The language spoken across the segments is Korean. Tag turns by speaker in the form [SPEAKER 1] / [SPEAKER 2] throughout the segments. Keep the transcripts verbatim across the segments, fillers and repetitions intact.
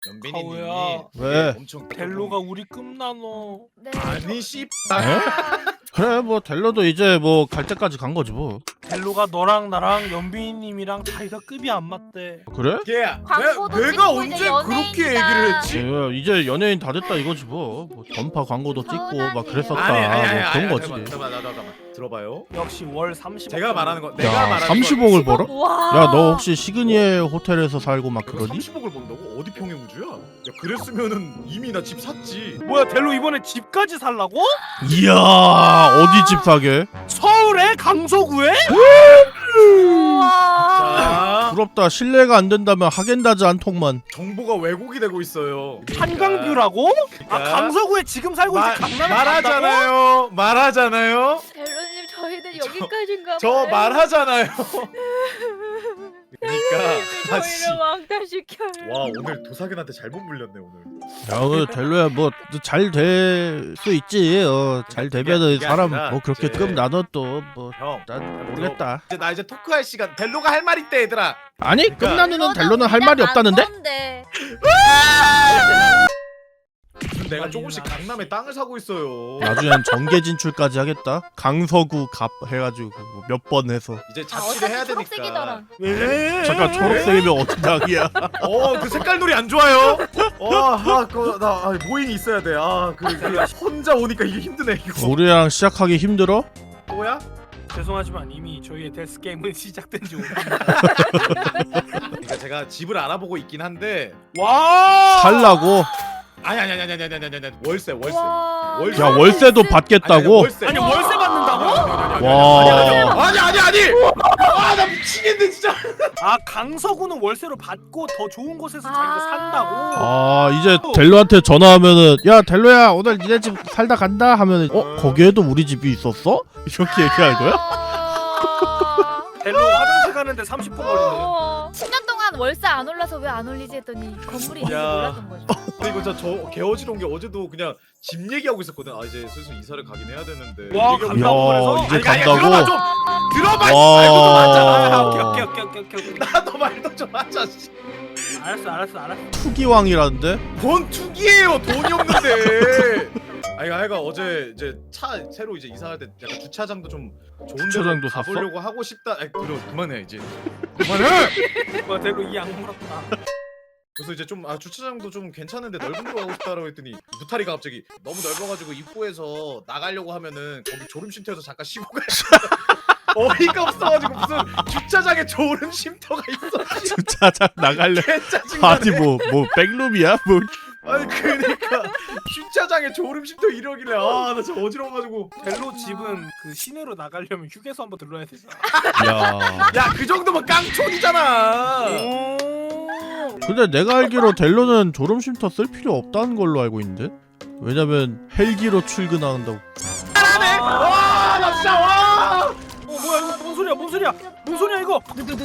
[SPEAKER 1] 연빈이님이
[SPEAKER 2] 가오야.
[SPEAKER 3] 왜?
[SPEAKER 1] 엄청
[SPEAKER 2] 델로가 우리 끝나노.
[SPEAKER 4] 네.
[SPEAKER 1] 아니 씨.
[SPEAKER 3] 그래 뭐 델로도 이제 뭐 갈 때까지 간 거지 뭐.
[SPEAKER 2] 델로가 너랑 나랑 연빈님이랑 사이가 급이 안 맞대.
[SPEAKER 3] 그래?
[SPEAKER 1] 걔야.
[SPEAKER 4] 광고도
[SPEAKER 1] 내, 내가
[SPEAKER 4] 찍고
[SPEAKER 1] 언제
[SPEAKER 4] 이제
[SPEAKER 1] 그렇게
[SPEAKER 4] 연예인이다.
[SPEAKER 1] 얘기를 했지?
[SPEAKER 3] 예, 이제 연예인 다 됐다 이거지 뭐. 뭐 던파 광고도 찍고 막 그랬었다.
[SPEAKER 1] 아니 아니 아니
[SPEAKER 3] 뭐
[SPEAKER 1] 아니,
[SPEAKER 3] 그런 거지.
[SPEAKER 1] 잠깐만 잠깐만 잠깐만 들어봐요.
[SPEAKER 2] 역시 월 삼십.
[SPEAKER 1] 제가 말하는 거 내가
[SPEAKER 3] 야
[SPEAKER 1] 말하는
[SPEAKER 3] 삼십억을 벌어?
[SPEAKER 4] 와.
[SPEAKER 3] 야 너 혹시 시그니에 호텔에서 살고 막
[SPEAKER 1] 거
[SPEAKER 3] 그러니?
[SPEAKER 1] 삼십억을 번다고? 어디 평행우주야? 야 그랬으면은 이미 나 집 샀지.
[SPEAKER 2] 뭐야 델로 이번에 집까지 살라고?
[SPEAKER 3] 이야 어디 집 사게?
[SPEAKER 2] 서울에 강서구에?
[SPEAKER 4] 우와.
[SPEAKER 1] 자
[SPEAKER 3] 부럽다. 실례가 안 된다면 하겐다즈 한 통만.
[SPEAKER 1] 정보가 왜곡이 되고 있어요.
[SPEAKER 2] 한강뷰라고? 아
[SPEAKER 1] 그러니까.
[SPEAKER 2] 강서구에 지금 살고
[SPEAKER 1] 마-
[SPEAKER 2] 있지 강남에 간다고?
[SPEAKER 1] 말하잖아요. 말하잖아요.
[SPEAKER 4] 델로님 저희는 여기까지인가
[SPEAKER 1] 저
[SPEAKER 4] 봐요.
[SPEAKER 1] 말하잖아요. 그러니까 아씨.
[SPEAKER 4] 저희를 왕따시켜요.
[SPEAKER 1] 와 오늘 도사견한테 잘못 물렸네 오늘.
[SPEAKER 3] 야 오늘 델로야 뭐 잘 될 수 있지. 어, 잘 되면은
[SPEAKER 1] 그게
[SPEAKER 3] 사람
[SPEAKER 1] 아니라
[SPEAKER 3] 뭐 그렇게
[SPEAKER 1] 이제-
[SPEAKER 3] 급 나눠 또 뭐
[SPEAKER 1] 형.
[SPEAKER 3] 난 모르겠다.
[SPEAKER 1] 이제 나 이제 토크할 시간. 델로가 할 말 있대 얘들아.
[SPEAKER 3] 아니 급
[SPEAKER 1] 그러니까-
[SPEAKER 3] 나누는 델로는 할 말이 없다는데?
[SPEAKER 1] 무슨 내가 조금씩 강남에 땅을 사고 있어요.
[SPEAKER 3] 나중엔 정계 진출까지 하겠다. 강서구 갑 해가지고 몇 번 해서.
[SPEAKER 1] 이제
[SPEAKER 4] 아,
[SPEAKER 1] 자취를 해야
[SPEAKER 4] 어차피
[SPEAKER 1] 되니까.
[SPEAKER 4] 초록색이더라.
[SPEAKER 2] 왜?
[SPEAKER 3] 잠깐 초록색이면 어떤 낙이야?
[SPEAKER 1] 어, 그 색깔 놀이 안 좋아요. 어, 아, 그, 나 아, 모잉이 있어야 돼. 아, 그, 그 혼자 오니까 이게 힘드네 이거.
[SPEAKER 3] 우리랑 시작하기 힘들어?
[SPEAKER 1] 뭐야?
[SPEAKER 2] 죄송하지만 이미 저희의 데스 게임은 시작된 지 오래됐습니다.
[SPEAKER 1] 그러니까 제가 집을 알아보고 있긴 한데.
[SPEAKER 2] 와!
[SPEAKER 3] 살라고?
[SPEAKER 1] 아니 아니 아니 아니 아니 아니 아니 아니 월세 월세.
[SPEAKER 4] 와.
[SPEAKER 1] 월세.
[SPEAKER 3] 야 월세도 받겠다고?
[SPEAKER 1] 월세.
[SPEAKER 2] 아니 월세 받는다고?
[SPEAKER 3] 와.
[SPEAKER 1] 아니 아니 아니. 아, 나 미치겠네 진짜.
[SPEAKER 2] 아 강서구는 월세로 받고 더 좋은 곳에서
[SPEAKER 4] 아.
[SPEAKER 2] 자기가 산다고?
[SPEAKER 3] 아 이제 델로한테 전화하면은 야 델로야 오늘 니네 집 살다 간다 하면은 어 거기에도 우리 집이 있었어? 이렇게 얘기할 거야?
[SPEAKER 4] 아.
[SPEAKER 2] 델로 화장실 가는데 삼십 분 걸리네.
[SPEAKER 4] 어. 십 년 동안 월세 안 올라서 왜 안 올리지 했더니 건물이 있는지
[SPEAKER 1] 야.
[SPEAKER 4] 몰랐던 거죠.
[SPEAKER 1] 그리고 저저 개어지러운 게 어제도 그냥 집 얘기하고 있었거든. 아 이제 슬슬 이사를 가긴 해야 되는데.
[SPEAKER 2] 와,
[SPEAKER 1] 얘기하고
[SPEAKER 2] 간다고 그래서?
[SPEAKER 3] 이제
[SPEAKER 1] 아니, 아니,
[SPEAKER 3] 간다고?
[SPEAKER 1] 들어봐 좀. 들어봐.
[SPEAKER 3] 와.
[SPEAKER 1] 말도 맞아.
[SPEAKER 2] 아, 오케이 오케이 오케이 오케이 오케이 오케이.
[SPEAKER 1] 나도 말도 좀 하자. 씨.
[SPEAKER 2] 알았어 알았어 알았어.
[SPEAKER 3] 투기왕이라는데?
[SPEAKER 1] 뭔 투기예요? 돈이 없는데. 아이가 아이가 어제 이제 차 새로 이제 이사할 때 약간 주차장도 좀 좋은 데로
[SPEAKER 3] 주차장도 샀어?
[SPEAKER 1] 가보려고 하고 싶다. 아이 들어 그만해 이제. 그만해.
[SPEAKER 2] 와 델로 이 악물었다.
[SPEAKER 1] 그래서 이제 좀 아 주차장도 좀 괜찮은데 넓은 데로 가고 싶다라고 했더니 무타리가 갑자기 너무 넓어가지고 입구에서 나가려고 하면은 거기 졸음 쉼터에서 잠깐 쉬고 가야 어이가 없어가지고 무슨 주차장에 졸음 쉼터가 있어.
[SPEAKER 3] 주차장 나갈래?
[SPEAKER 1] 개짜증나네.
[SPEAKER 3] 아니 뭐 뭐 백룸이야? 뭐
[SPEAKER 1] 아니 그러니까 주차장에 졸음 쉼터 이러길래 아 나 진짜 어지러워가지고.
[SPEAKER 2] 델로 집은 그 시내로 나가려면 휴게소 한번 들러야 되잖아.
[SPEAKER 3] 야.
[SPEAKER 1] 야 그 정도면 깡촌이잖아.
[SPEAKER 2] 오.
[SPEAKER 3] 근데 내가 알기로 델로는 졸음쉼터 쓸 필요 없다는 걸로 알고 있는데? 왜냐면 헬기로 출근한다고.
[SPEAKER 1] 잘하네. 와나 진짜 와.
[SPEAKER 2] 어 뭐야 이거 뭔 소리야 뭔 소리야 뭔 소리야 이거.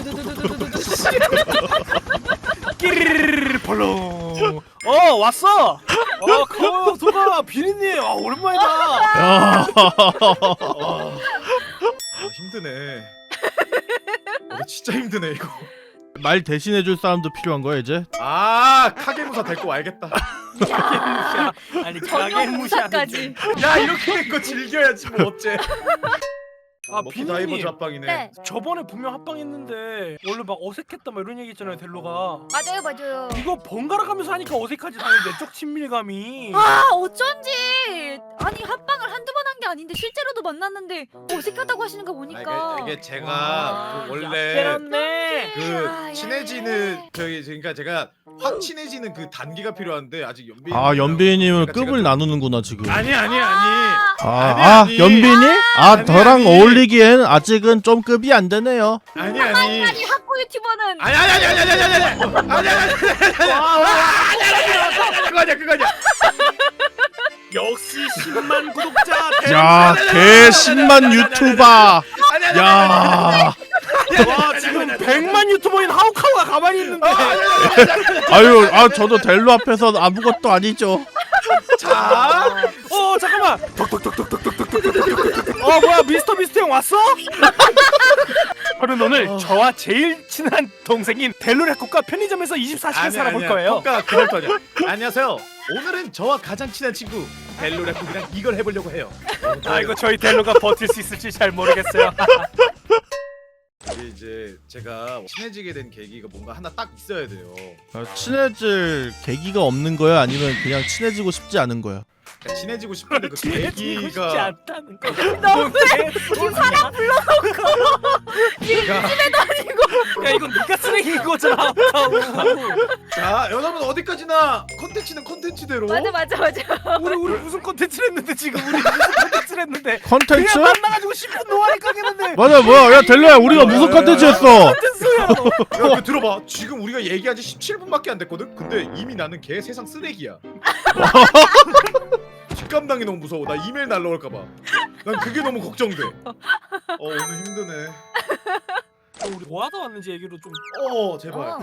[SPEAKER 2] 끼리리리리 벌렁. 어 왔어. 어 가요 소가 비리님. 아 오랜만이다.
[SPEAKER 3] 야.
[SPEAKER 1] 아, 아 힘드네. 어, 진짜 힘드네 이거.
[SPEAKER 3] 말 대신해줄 사람도 필요한 거야 이제?
[SPEAKER 1] 아 카게무사 데리고 와야겠다.
[SPEAKER 2] 무시야. 아니 가게 무시하지.
[SPEAKER 4] 정형무사까지.
[SPEAKER 1] 야 이렇게 된 거 즐겨야지 뭐 어째.
[SPEAKER 2] 아,
[SPEAKER 1] 먹기
[SPEAKER 2] 비누님.
[SPEAKER 1] 다이버즈 합방이네.
[SPEAKER 4] 네.
[SPEAKER 2] 저번에 분명 합방했는데 원래 막 어색했다 막 이런 얘기 했잖아요 델로가.
[SPEAKER 4] 맞아요 맞아요.
[SPEAKER 2] 이거 번갈아 가면서 하니까 어색하지 당연히 내적 친밀감이.
[SPEAKER 4] 아 어쩐지 아니 합방을 한두 번 한 게 아닌데 실제로도 만났는데 어색하다고 하시는 거
[SPEAKER 1] 아,
[SPEAKER 4] 보니까
[SPEAKER 1] 이게, 이게 제가
[SPEAKER 2] 아,
[SPEAKER 1] 그 원래
[SPEAKER 2] 빼놨네.
[SPEAKER 1] 그
[SPEAKER 4] 아, 야,
[SPEAKER 1] 친해지는
[SPEAKER 4] 야.
[SPEAKER 1] 저기 그러니까 제가 확 친해지는 그 단계가 필요한데 아직 연빈.
[SPEAKER 3] 아 연빈님을
[SPEAKER 1] 그러니까
[SPEAKER 3] 급을
[SPEAKER 1] 제가 좀-
[SPEAKER 3] 나누는구나 지금.
[SPEAKER 1] 아니 아니 아니.
[SPEAKER 3] 아,
[SPEAKER 1] 아니,
[SPEAKER 3] 아
[SPEAKER 1] 아니.
[SPEAKER 3] 연빈이? 아
[SPEAKER 1] 아니,
[SPEAKER 3] 너랑
[SPEAKER 1] 아니.
[SPEAKER 3] 어울리기엔 아직은 좀 급이 안 되네요.
[SPEAKER 1] 아니 아니.
[SPEAKER 4] 아니 학고 유튜버는
[SPEAKER 1] 아니 아니 아니 아니 아니 아니 아니 아니 아니 아니 아니 그거 아니야 그거 아니야.
[SPEAKER 2] 역시 십만 구독자.
[SPEAKER 3] 야, 개 십만 유튜버.
[SPEAKER 1] 아니 아니
[SPEAKER 3] 야,
[SPEAKER 2] 와 지금 백만 유튜버인 하우카우가 가만히 있는데.
[SPEAKER 3] 아유, 아 저도 델로 앞에서 아무것도 아니죠.
[SPEAKER 1] 자.
[SPEAKER 2] 어 잠깐만. 톡톡톡톡톡톡톡톡톡톡. 어 뭐야 미스터 비스트 형 왔어? 저는 오늘
[SPEAKER 1] 어.
[SPEAKER 2] 저와 제일 친한 동생인 델로레코과 편의점에서 이십사 시간 살아볼 거예요.
[SPEAKER 1] 그러니까 그럴 거냐. 안녕하세요. 오늘은 저와 가장 친한 친구 벨로레코랑 이걸 해보려고 해요.
[SPEAKER 2] 아 이거 저희 델로가 버틸 수 있을지 잘 모르겠어요.
[SPEAKER 1] 이게 이제 제가 친해지게 된 계기가 뭔가 하나 딱 있어야 돼요.
[SPEAKER 3] 아, 친해질 계기가 없는 거야? 아니면 그냥 친해지고 싶지 않은 거야?
[SPEAKER 1] 그러니까 친해지고 싶은데 그
[SPEAKER 2] 친해지고 싶지
[SPEAKER 1] 계기가
[SPEAKER 2] 않다는 거.
[SPEAKER 4] 너무해. 지금 사람 불러놓고 지금
[SPEAKER 1] 그러니까
[SPEAKER 4] 집에도 아니고.
[SPEAKER 2] 야 이건 네가 쓰레기인 거잖아. 아까워.
[SPEAKER 1] 자 여러분 어디까지나 컨텐츠는 컨텐츠대로
[SPEAKER 4] 맞아 맞아 맞아.
[SPEAKER 2] 우리 우리 무슨 콘텐츠를 했는데 지금 우리 무슨 콘텐츠를 했는데
[SPEAKER 3] 컨텐츠?
[SPEAKER 2] 그냥 만나가지고 십 분 노안에 가겠는데
[SPEAKER 3] 맞아 뭐야 야 델로야 우리가
[SPEAKER 1] 야,
[SPEAKER 3] 무슨
[SPEAKER 1] 야,
[SPEAKER 3] 컨텐츠
[SPEAKER 1] 야, 야,
[SPEAKER 3] 했어?
[SPEAKER 2] 콘텐츠야 너.
[SPEAKER 1] 야, 그 들어봐. 지금 우리가 얘기한 지 십칠 분밖에 안 됐거든? 근데 이미 나는 걔 세상 쓰레기야. 뒷감당이 너무 무서워. 나 이메일 날라올까봐. 난 그게 너무 걱정돼. 어, 오늘 힘드네.
[SPEAKER 2] 우리 뭐 하다 왔는지 얘기로 좀.
[SPEAKER 1] 어, 제발.
[SPEAKER 4] 어.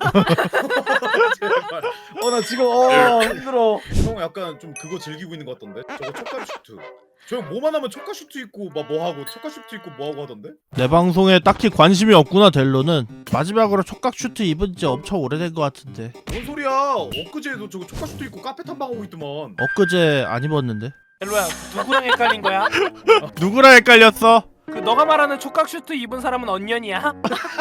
[SPEAKER 1] 제발. 어, 나 지금, 어, 힘들어. 형 약간 좀 그거 즐기고 있는 것 같던데? 저거 촉감 슈트. 저 형 뭐만 하면 촉감 슈트 입고 막 뭐 하고, 촉감 슈트 입고 뭐 하고 하던데?
[SPEAKER 3] 내 방송에 딱히 관심이 없구나 델로는. 마지막으로 촉각 슈트 입은 지 엄청 오래된 것 같은데.
[SPEAKER 1] 뭔 소리야? 엊그제도 저거 촉감 슈트 입고 카페 탐방하고 있더만.
[SPEAKER 3] 엊그제 안 입었는데.
[SPEAKER 2] 델로야 누구랑 헷갈린 거야?
[SPEAKER 3] 누구랑 헷갈렸어?
[SPEAKER 2] 그 너가 말하는 촉각 슈트 입은 사람은 언년이야?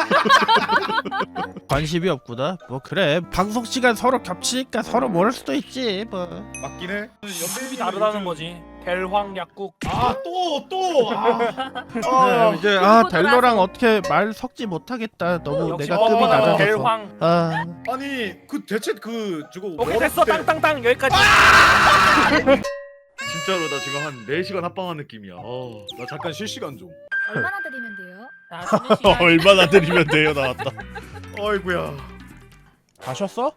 [SPEAKER 3] 관심이 없구나. 뭐 그래 방송 시간 서로 겹치니까 서로 모를 수도 있지 뭐.
[SPEAKER 1] 맞긴 해.
[SPEAKER 2] 연습이 다르다는 거지. 델황 약국.
[SPEAKER 1] 아, 또, 또! 아,
[SPEAKER 3] 네,
[SPEAKER 1] 아.
[SPEAKER 3] 이제 아
[SPEAKER 4] 그리고
[SPEAKER 3] 델로랑
[SPEAKER 4] 돌아서.
[SPEAKER 3] 어떻게 말 섞지 못하겠다. 너무
[SPEAKER 2] 역시
[SPEAKER 3] 내가 급이
[SPEAKER 2] 뻔뻔한
[SPEAKER 3] 낮아서.
[SPEAKER 2] 델황.
[SPEAKER 3] 아
[SPEAKER 1] 아니 그 대체 그 저거
[SPEAKER 2] 오케이
[SPEAKER 1] 뭐
[SPEAKER 2] 됐어
[SPEAKER 1] 때-
[SPEAKER 2] 땅땅땅 여기까지.
[SPEAKER 1] 진짜로 나 지금 한 네 시간 합방한 느낌이야. 어, 나 잠깐 실시간 좀.
[SPEAKER 4] 얼마나 드리면 돼요?
[SPEAKER 2] 자, 쉬는 시간.
[SPEAKER 3] 얼마나 드리면 돼요 나왔다.
[SPEAKER 1] 어이구야.
[SPEAKER 3] 다 쉬었어?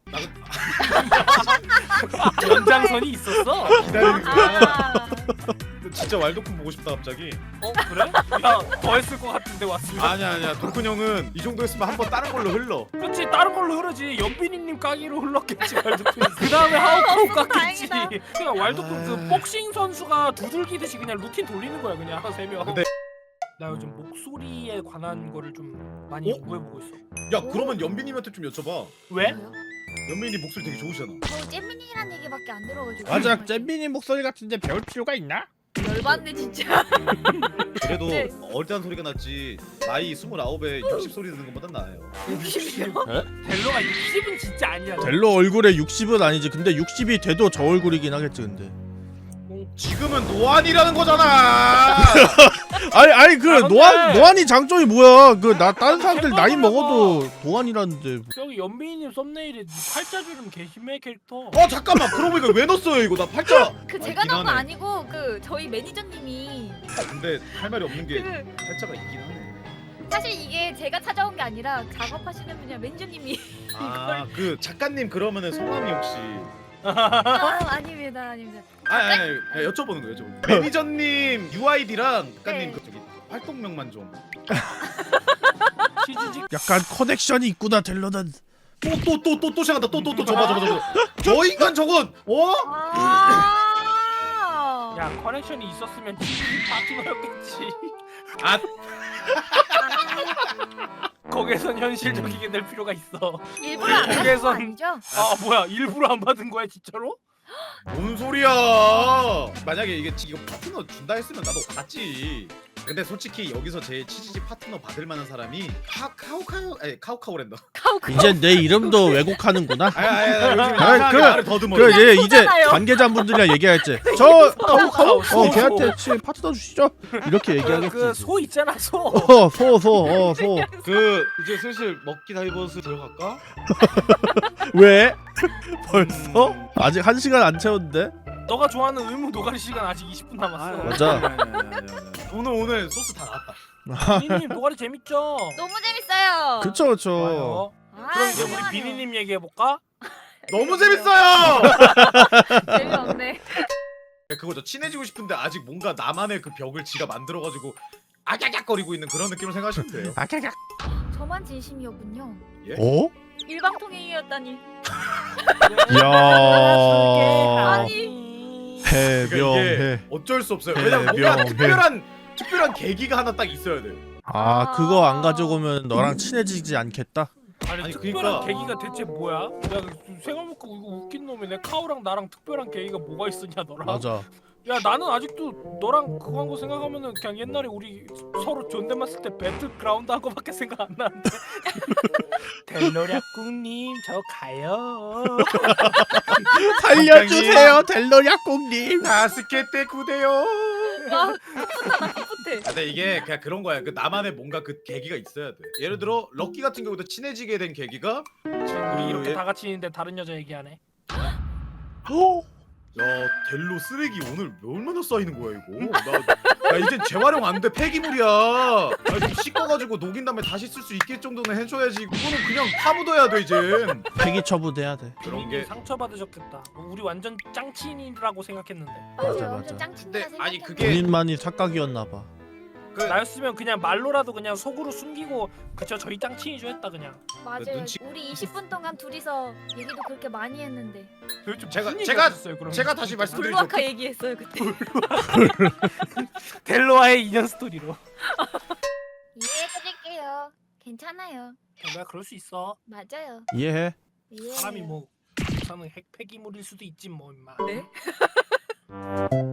[SPEAKER 2] 연장선이 있었어?
[SPEAKER 1] 기다리는 거야.
[SPEAKER 4] 아,
[SPEAKER 1] 진짜 왈도쿤 보고 싶다 갑자기.
[SPEAKER 2] 어 그래? 야더 했을 것 같은데 왔으면.
[SPEAKER 1] 아니야 아니야. 도쿤 형은 이 정도 했으면 한번 다른 걸로 흘러.
[SPEAKER 2] 그렇지 다른 걸로 흐르지. 연빈이님 까기로 흘렀겠지 왈도쿤. 그 다음에 하우카우
[SPEAKER 4] 없어서
[SPEAKER 2] 깠겠지.
[SPEAKER 4] 다행이다.
[SPEAKER 2] 그냥 왈도쿤
[SPEAKER 1] 아.
[SPEAKER 2] 그 복싱 선수가 두들기듯이 그냥 루틴 돌리는 거야 그냥 세 명.
[SPEAKER 1] 근데-
[SPEAKER 2] 나 요즘 목소리에 관한 거를 좀 많이
[SPEAKER 1] 어?
[SPEAKER 2] 연구해보고 있어.
[SPEAKER 1] 야 그러면 연빈님한테 좀 여쭤봐.
[SPEAKER 2] 왜?
[SPEAKER 4] 뭐요?
[SPEAKER 1] 연빈이 목소리 되게 좋으시잖아.
[SPEAKER 4] 저 잼민이란 얘기밖에 안 들어가지고.
[SPEAKER 3] 맞아 잼빈이 목소리 같은데 배울 필요가 있나?
[SPEAKER 4] 열받네 진짜.
[SPEAKER 1] 그래도
[SPEAKER 4] 네.
[SPEAKER 1] 어리다는 소리가 낫지. 나이 스물아홉에 육십 소리 듣는 것보단 나아요.
[SPEAKER 4] 육십이요?
[SPEAKER 2] 델로가 육십은 진짜 아니야.
[SPEAKER 3] 델로 얼굴에 육십은 아니지. 근데 육십이 돼도 저 얼굴이긴 하겠지 근데.
[SPEAKER 1] 지금은 노안이라는 거잖아.
[SPEAKER 3] 아니 아니 그
[SPEAKER 2] 아, 근데-
[SPEAKER 3] 노안 노안이 장점이 뭐야? 그 나 다른 사람들 나이
[SPEAKER 2] 햄버거라고.
[SPEAKER 3] 먹어도 노안이라는데.
[SPEAKER 2] 여기 연빈이님 썸네일에 팔자주름 개심해 캐릭터.
[SPEAKER 1] 어 잠깐만. 그러고 보니까 왜 넣었어요 이거? 나 팔자.
[SPEAKER 4] 그
[SPEAKER 1] 아,
[SPEAKER 4] 제가
[SPEAKER 1] 있긴
[SPEAKER 4] 넣은 거
[SPEAKER 1] 하네.
[SPEAKER 4] 아니고 그 저희 매니저님이
[SPEAKER 1] 근데 할 말이 없는 게
[SPEAKER 4] 그
[SPEAKER 1] 팔자가 있긴 하네.
[SPEAKER 4] 사실 이게 제가 찾아온 게 아니라 작업하시는 분이랑 매니저님이
[SPEAKER 1] 아 그 작가님 그러면은 성함이 혹시?
[SPEAKER 4] 아, 아닙니다 아닙니다.
[SPEAKER 1] 아니 아니, 아니 여쭤보는 거예요 여쭤보는 거. 매니저님 유아이디랑 작가님
[SPEAKER 4] 네.
[SPEAKER 1] 그 저기 활동명만 좀.
[SPEAKER 2] 치즈직.
[SPEAKER 3] 약간 커넥션이 있구나 델로는.
[SPEAKER 1] 또 또 또 또 또 시작한다. 또 또 또 저봐 저봐 저봐. 저 인간 저건 어?
[SPEAKER 4] 아.
[SPEAKER 2] 야 커넥션이 있었으면 치즈직 파트너였겠지.
[SPEAKER 1] 아
[SPEAKER 2] 거기선 현실적이게 될 필요가 있어.
[SPEAKER 4] 일부러 안 하신 거
[SPEAKER 2] 그래서-
[SPEAKER 4] 아니죠?
[SPEAKER 2] 아 뭐야 일부러 안 받은 거야 진짜로?
[SPEAKER 1] 뭔 소리야? 만약에 이게 이거 파트너 준다 했으면 나도 갔지. 근데 솔직히 여기서 제일 치즈집 파트너 받을 만한 사람이 카 카오카오 아니 카오카오랜다.
[SPEAKER 4] 카우카.
[SPEAKER 3] 이제 내 이름도 왜곡하는구나.
[SPEAKER 1] 아니 아니 아니 요즘
[SPEAKER 3] 아니,
[SPEAKER 1] 이상하게
[SPEAKER 3] 그-
[SPEAKER 1] 말을 더듬어.
[SPEAKER 3] 그 이제 이제
[SPEAKER 4] 소잖아요.
[SPEAKER 3] 관계자분들이랑 얘기할지. 저
[SPEAKER 2] 카오카오,
[SPEAKER 3] 어
[SPEAKER 2] 소,
[SPEAKER 3] 걔한테 치 파트너 주시죠. 이렇게 얘기하겠지.
[SPEAKER 2] 그소 있잖아 소.
[SPEAKER 3] 어소소어 소.
[SPEAKER 1] 그 이제 슬슬 먹기 다이버스 들어갈까?
[SPEAKER 3] 왜? 벌써? 아직 한 시간 안 채웠는데?
[SPEAKER 2] 너가 좋아하는 의무 노가리 시간 아직 이십 분 남았어.
[SPEAKER 3] 맞아.
[SPEAKER 1] 아니, 아니, 아니, 아니, 아니. 오늘 오늘 소스 다 나왔다.
[SPEAKER 2] 비니님 노가리 재밌죠?
[SPEAKER 4] 너무 재밌어요.
[SPEAKER 3] 그쵸 그쵸.
[SPEAKER 2] 좋아요.
[SPEAKER 4] 아,
[SPEAKER 2] 그럼 이제 우리
[SPEAKER 4] 죄송하네요.
[SPEAKER 2] 비니님 얘기해 볼까?
[SPEAKER 1] 너무 재밌어요.
[SPEAKER 4] 재미없네.
[SPEAKER 1] 그거죠. 친해지고 싶은데 아직 뭔가 나만의 그 벽을 지가 만들어가지고 아깍깍거리고 있는 그런 느낌을 생각하시면 돼요.
[SPEAKER 3] 아까까.
[SPEAKER 4] 저만 진심이었군요.
[SPEAKER 3] 어?
[SPEAKER 4] 일방통행이었다니.
[SPEAKER 3] 이야.
[SPEAKER 4] 아니.
[SPEAKER 1] 그러니까
[SPEAKER 3] 해병해.
[SPEAKER 1] 이게 어쩔 수 없어요. 왜냐면 뭔가
[SPEAKER 3] 해병해.
[SPEAKER 1] 특별한 특별한 계기가 하나 딱 있어야 돼요.
[SPEAKER 3] 아 그거 안 가져오면 너랑 친해지지 않겠다.
[SPEAKER 2] 아니,
[SPEAKER 1] 아니,
[SPEAKER 2] 특별한
[SPEAKER 1] 그러니까-
[SPEAKER 2] 계기가 대체 뭐야? 내가 생각해보니까 이거 웃긴 놈이네. 카오랑 나랑 특별한 계기가 뭐가 있었냐 너랑?
[SPEAKER 3] 맞아.
[SPEAKER 2] 야 나는 아직도 너랑 그거 한 거 생각하면은 그냥 옛날에 우리 서로 존댓말 쓸 때 배틀그라운드 한 거밖에 생각 안 나는데. 델로략국님 저 가요.
[SPEAKER 3] 살려주세요 델로략국님.
[SPEAKER 1] 다스케 때 구대요.
[SPEAKER 4] 아 풋풋하다 풋풋해.
[SPEAKER 1] 근데 이게 그냥 그런 거야. 그 나만의 뭔가 그 계기가 있어야 돼. 예를 들어 럭키 같은 경우도 친해지게 된 계기가
[SPEAKER 2] 우리 이렇게
[SPEAKER 1] 예-
[SPEAKER 2] 다 같이 있는데 다른 여자 얘기하네.
[SPEAKER 1] 야 델로 쓰레기 오늘 얼마나 쌓이는 거야 이거? 나, 나 이젠 재활용 안 돼. 폐기물이야. 아, 좀 씻어가지고 녹인 다음에 다시 쓸 수 있게 정도는 해줘야지. 이거는 그냥 파묻어야 돼 이젠.
[SPEAKER 3] 폐기 처분해야 돼.
[SPEAKER 1] 그런
[SPEAKER 2] 본인이
[SPEAKER 1] 게
[SPEAKER 2] 상처 받으셨겠다. 우리 완전 짱친이라고 생각했는데.
[SPEAKER 3] 맞아,
[SPEAKER 4] 맞아
[SPEAKER 3] 맞아.
[SPEAKER 4] 완전 짱친다
[SPEAKER 1] 근데 아니,
[SPEAKER 4] 생각했는데.
[SPEAKER 1] 그게-
[SPEAKER 3] 본인만이 착각이었나 봐.
[SPEAKER 1] 그
[SPEAKER 2] 나였으면 그냥 말로라도 그냥 속으로 숨기고 그쵸 저희 짱친이죠 했다 그냥.
[SPEAKER 4] 맞아요.
[SPEAKER 1] 눈치-
[SPEAKER 4] 우리 이십 분 동안 둘이서 얘기도 그렇게 많이 했는데
[SPEAKER 2] 도대체
[SPEAKER 1] 제가-
[SPEAKER 2] 무슨 얘기
[SPEAKER 1] 제가-
[SPEAKER 2] 하셨어요, 그러면?
[SPEAKER 1] 제가 다시 말씀-
[SPEAKER 4] 블루아카 얘기했어요 그때.
[SPEAKER 2] 델로와의 인연 스토리로.
[SPEAKER 4] 이해해드릴게요. 괜찮아요.
[SPEAKER 2] 델로야 그럴 수 있어.
[SPEAKER 4] 맞아요.
[SPEAKER 3] 이해해.
[SPEAKER 4] 이해해요.
[SPEAKER 2] 사람이 뭐 저는 핵 폐기물일 수도 있지 뭐 임마.
[SPEAKER 4] 네?